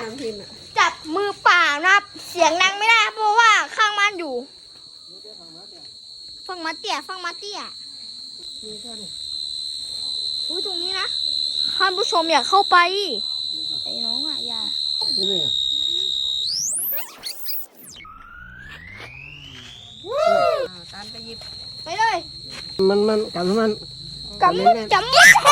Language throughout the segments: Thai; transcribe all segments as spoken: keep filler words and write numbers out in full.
จับมือเปล่านะครับเสียงดังไม่ได้เพราะว่าข้างบ้านอยู่ฟังมาเตี้ยฟังมาเตี้ยอุ้ยตรงนี้นะท่านผู้ชมอยากเข้าไปไอ้น้องอ่ะอย่าตามไปหยิบไปเลยมันมันกำมันกำมันกำ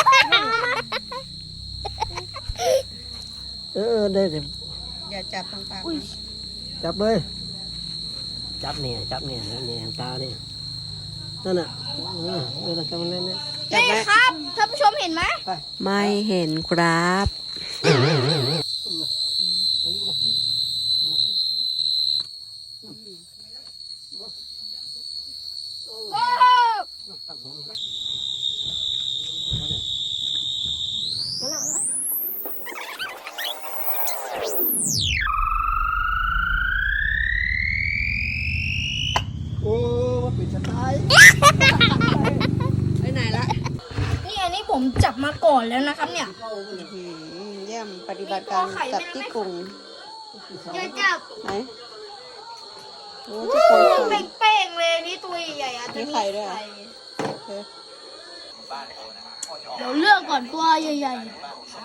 เออได้เดี๋ยวอย่าจับตรงปากจับเลยจับเนี่ยจับเนี่ยเนี่ยตาเนี่ยนั่นน่ะเออเออจับมันเล่นเนี่ยนี่ครับท่านผู้ชมเห็นไหมไม่เห็นครับโอ้มันปิดสไตล์ไปไหนละนี่อันนี้ผมจับมาก่อนแล้วนะครับเนี่ยเยี่ยมปฏิบัติการจับที่กลุ่มอย่าจับไหนโอ้ที่กลุ่มเป้งๆเลยนี่ตัวใหญ่ๆอาจจะมีไข่ด้วยเดี๋ยวเลือกก่อนตัวใหญ่ๆ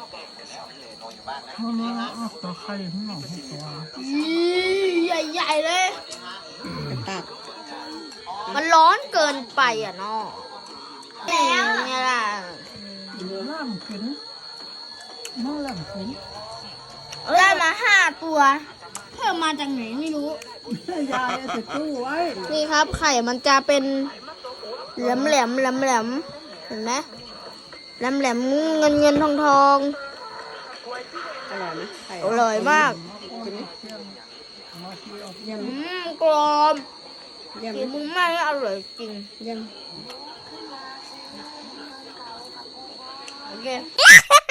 ตัวไข่ที่หนองตัวใหญ่ๆเลยตัดมันร้อนเกินไปอ่ะเนาะแล้วเนี่ยล่ะล่ามขึ้นน้องล่ามขึ้นได้มาห้าตัวเพิ่มมาจากไหนไม่รู้ยาใส่ตู้ไว้นี่ครับไข่มันจะเป็นแหลมแหลมแหลมแหลมเห็นไหมแหลมแหลมเงินเงินทองทองอร่อยไหมอร่อยมากอืมกรอบกินมึงไม่อร่อยจริงยังโอเค